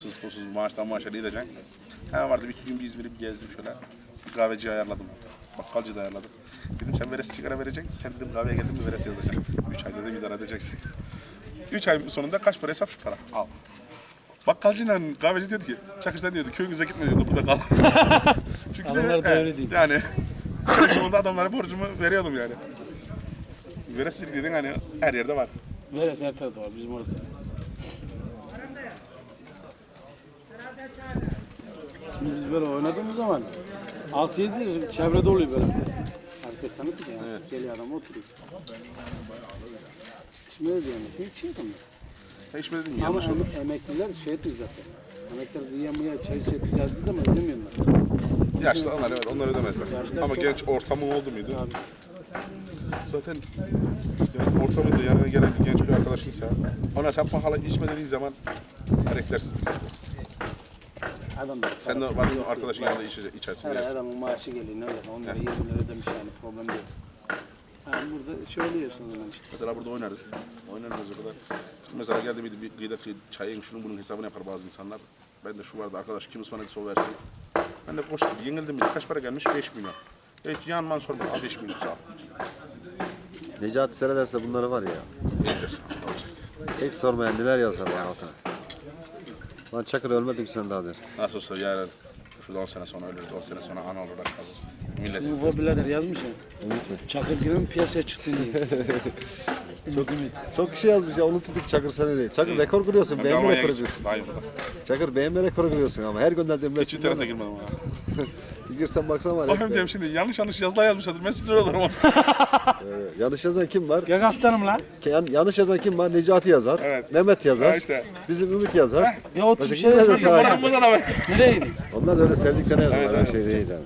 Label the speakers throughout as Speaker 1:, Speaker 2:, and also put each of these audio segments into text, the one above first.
Speaker 1: Susuz maaştan maaşa gideceksin. Hemen vardı bir iki gün bir İzmir'i gezdim şöyle. Bir kahveci ayarladım. Bakkalcı da ayarladım. Dedim sen veresi sigara vereceksin. Sen dedim kahveye geldin mi veresi yazacaksın. 3 ayda da idare edeceksin. 3 ay sonunda kaç para hesap şu para. Al. Bakkalcıyla kahveci diyordu ki, Çakış'tan diyordu köyünüze gitme diyordu burada kal. Çünkü
Speaker 2: Adamlar da öyle değil.
Speaker 1: Yani köy sonunda adamlara borcumu veriyordum yani. Veresilik dedin hani her yerde var.
Speaker 2: Neresi her tarafta var bizim orada. Şimdi biz böyle oynadığımız zaman 6-7 çevrede oluyor böyle. Herkes tanık ki yani.
Speaker 1: Evet.
Speaker 2: Geliyor adam oturuyor. Şimdi öyle diyemezsin. Hiç şey yapamıyor.
Speaker 1: Sen hiç mi dedin mi?
Speaker 2: Ama
Speaker 1: Yanlış oldu.
Speaker 2: emekliler şey etmiyor zaten. Emekliler diyemeye çay içip yazdığı zaman ödemiyorlar.
Speaker 1: Yaşlı onlar evet onlar ödemezler.
Speaker 2: Yaşlılar
Speaker 1: Ama
Speaker 2: çok-
Speaker 1: genç ortamın oldu muydu?
Speaker 2: Abi,
Speaker 1: Zaten yani ortamında yanına gelen bir genç bir arkadaşınsa ona sen pahalı içme dediği zaman karaktersizlik.
Speaker 2: adam da
Speaker 1: Sen de var arkadaşın yanında içersin
Speaker 2: her
Speaker 1: biraz.
Speaker 2: adamın maaşı geliyor ne olacak? 10 lira 20 lira ödemiş yani problem değil. Yani burada şöyle yiyorsun o zaman işte.
Speaker 1: Mesela burada oynarız. Oynarız o kadar. İşte mesela geldi bir gıydet çayın şunun bunun hesabını yapar bazı insanlar. Ben de şu vardı arkadaş kim ısmarladı o versin. Ben de koştum. Yenildim bir de. Kaç para gelmiş? 5 milyon. Hiç yanman sorma. Al 5 milyon sağ ol.
Speaker 3: Necati seyrederse bunları var ya.
Speaker 1: İzlesin. Olacak.
Speaker 3: Hiç sormayan neler yazar ya altına. Lan Çakır ölmedim sen daha der.
Speaker 1: Nasıl olsa yarın şurada 10 sene sonra ölürüz. 10 sene sonra ana olarak kalır. Millet
Speaker 2: Sizin
Speaker 1: izler.
Speaker 2: bu birader yazmış ya. Çakır Gülen piyasaya çıktı diye.
Speaker 3: Çok kişi yazmış ya unuttuk Çakır seni değil. Çakır rekor kırıyorsun, beğenme
Speaker 1: Almanya'ya
Speaker 3: rekoru
Speaker 1: gitsin.
Speaker 3: kırıyorsun.
Speaker 1: Daha iyi burada.
Speaker 3: Çakır beğenme rekoru kırıyorsun ama her gönderdiğim
Speaker 1: Hiç internete
Speaker 3: resimden
Speaker 1: girmedim ha.
Speaker 3: bir girsen baksan var
Speaker 1: Bakayım
Speaker 3: ya.
Speaker 1: diyeyim şimdi yanlış yazılar yazmışlardır. Ben sinir olurum ona.
Speaker 3: Yanlış yazan kim var?
Speaker 2: Gel kaptanım lan.
Speaker 3: Yanlış yazan kim var? Necati yazar,
Speaker 1: Evet.
Speaker 3: Mehmet yazar,
Speaker 1: Ha işte.
Speaker 3: bizim Ümit yazar.
Speaker 2: Ya otur bir
Speaker 3: Başka
Speaker 2: şey
Speaker 3: kimler de
Speaker 2: yazsın.
Speaker 3: sahip?
Speaker 1: Paramızdan haber.
Speaker 2: Nereye gidiyor?
Speaker 3: Onlar da öyle sevdiklerine yazarlar,
Speaker 1: Evet,
Speaker 3: her
Speaker 1: evet.
Speaker 3: şey değil yani.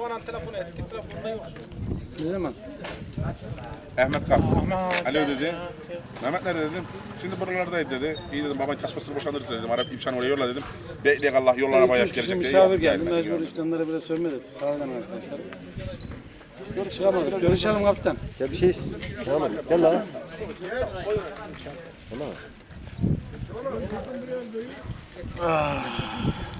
Speaker 2: Ne zaman?
Speaker 1: Ahmet kalktı. Alo dedi. Mehmet nerede dedim. Şimdi buralardaydı dedi. İyi dedim baban kasmasını boşandırırız dedim. Arap İpşan oraya yolla dedim. Bekleyek Allah yollara bayağı
Speaker 2: İki kişi
Speaker 1: gelecek diye.
Speaker 2: misafir
Speaker 1: Yok,
Speaker 2: geldi.
Speaker 1: gelmedi,
Speaker 2: Mecbur
Speaker 1: görmedim.
Speaker 2: İslamlara biraz sövme dedi. Sağ olun arkadaşlar. Yok çıkamadık. Görüşelim kaptan.
Speaker 3: Ya bir şey tamam gel lan. Valla.